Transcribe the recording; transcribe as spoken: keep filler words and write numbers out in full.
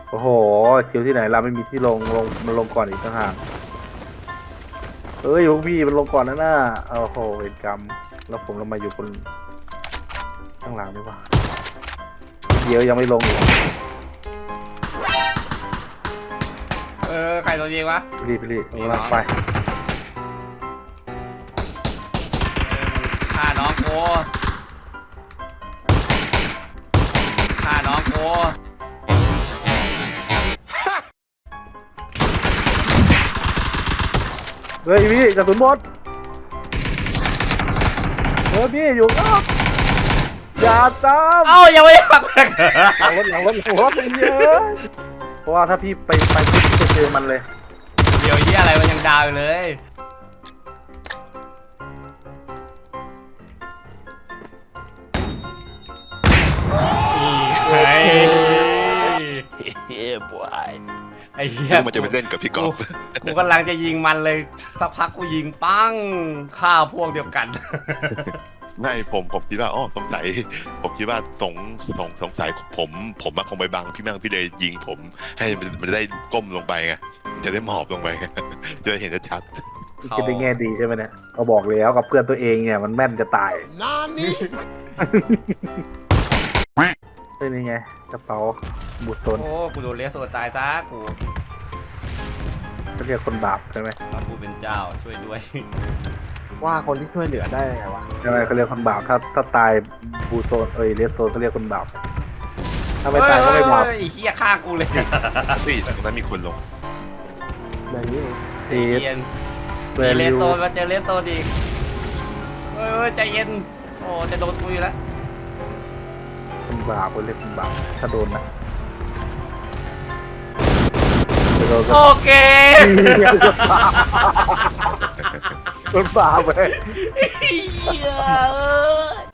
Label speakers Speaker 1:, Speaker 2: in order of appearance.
Speaker 1: โอ้โหคิวที่ไหนเราไม่มีที่ลงลงมันลงก่อนอีกต่างหากเอ้ยพวกพี่มันลงก่อนนะน่าโอ้โหเวรกรรมแล้วผมเรามาอยู่บนข้างหลังดีกว่าเดี๋ยวยังไม่ลงอีก
Speaker 2: เออใครตัวยิงวะ
Speaker 1: รีบรีบกำลังไป
Speaker 2: ฆ่าน้องโกฆ่าน้องโก
Speaker 1: เฮ้ยพี่กระสุนหมดเฮ้ยพี่อยู่อ้าวอย่าตาม
Speaker 2: เอ้ายังไม่ขับ
Speaker 1: หลังรถหลังรถหลังรถเยอะเพราะว่าถ้าพี่ไปไปพี่จะเจอมันเลย
Speaker 2: เดี๋ยวยี่อะไรมันยังดาวอยู่เลยไอ้
Speaker 3: เฮ้ยบอย
Speaker 2: ไอ้เหี้ย
Speaker 3: มันจะไปเล่นกับพี่กอล์ฟ
Speaker 2: กูกำลังจะยิงมันเลยสักพักกูยิงปั้งฆ่าพวกเดียวกัน
Speaker 3: ไม่ผมผมคิดว่าอ๋อสงสัยผมคิดว่าสงสงสงสัยผมผมมาคงไปบังพี่แม่งพี่เลยยิงผมให้มันมันจะได้ก้มลงไปไงจะได้หมอบลงไปไงจะได้เห็นชัด
Speaker 1: คิดได้แง่ดีใช่ไหมเนี่ยก็บอกแล้วกับเพื่อนตัวเองเนี่ยมันแม่นจะตายเฮ้ยนี่ไงกระเป๋าบูทโซน
Speaker 2: โอ้กูโดนเลสโซตายซะกู
Speaker 1: เขาเรียกคนบาปใช่ไหม
Speaker 2: พระผู้เป็นเจ้าช่วยด้วย
Speaker 4: ว่าคนที่ช่วยเหลือได้ไงวะ
Speaker 1: ใช่ไหมเขาเรียกคนบาปถ้าถ้าตายบูทโซนเอ้ยเลสโซนเขาเรียกคนบาปถ้าไม่ตายก็ไม่บาป
Speaker 2: เฮ้ยไอ้เหี้ยฆ่ากูเลย
Speaker 3: ๆพี่ตรงนั้นมีคนลง
Speaker 4: อย่างนี้
Speaker 1: เอส
Speaker 2: เย็น
Speaker 1: เว
Speaker 2: มีเล
Speaker 1: ลิ
Speaker 2: ส
Speaker 1: ว
Speaker 2: โซนมาเจอเลสโซนอีกเฮ้ยเฮ้ยใจเย็นโอ้จะโดนกูอยู่แล้ว
Speaker 1: คนบาปเขาเรียกคนบาปถ้าโดนนะโดนก็
Speaker 2: โอเค
Speaker 1: คนบาปไป
Speaker 2: เหี้ยเอ้ย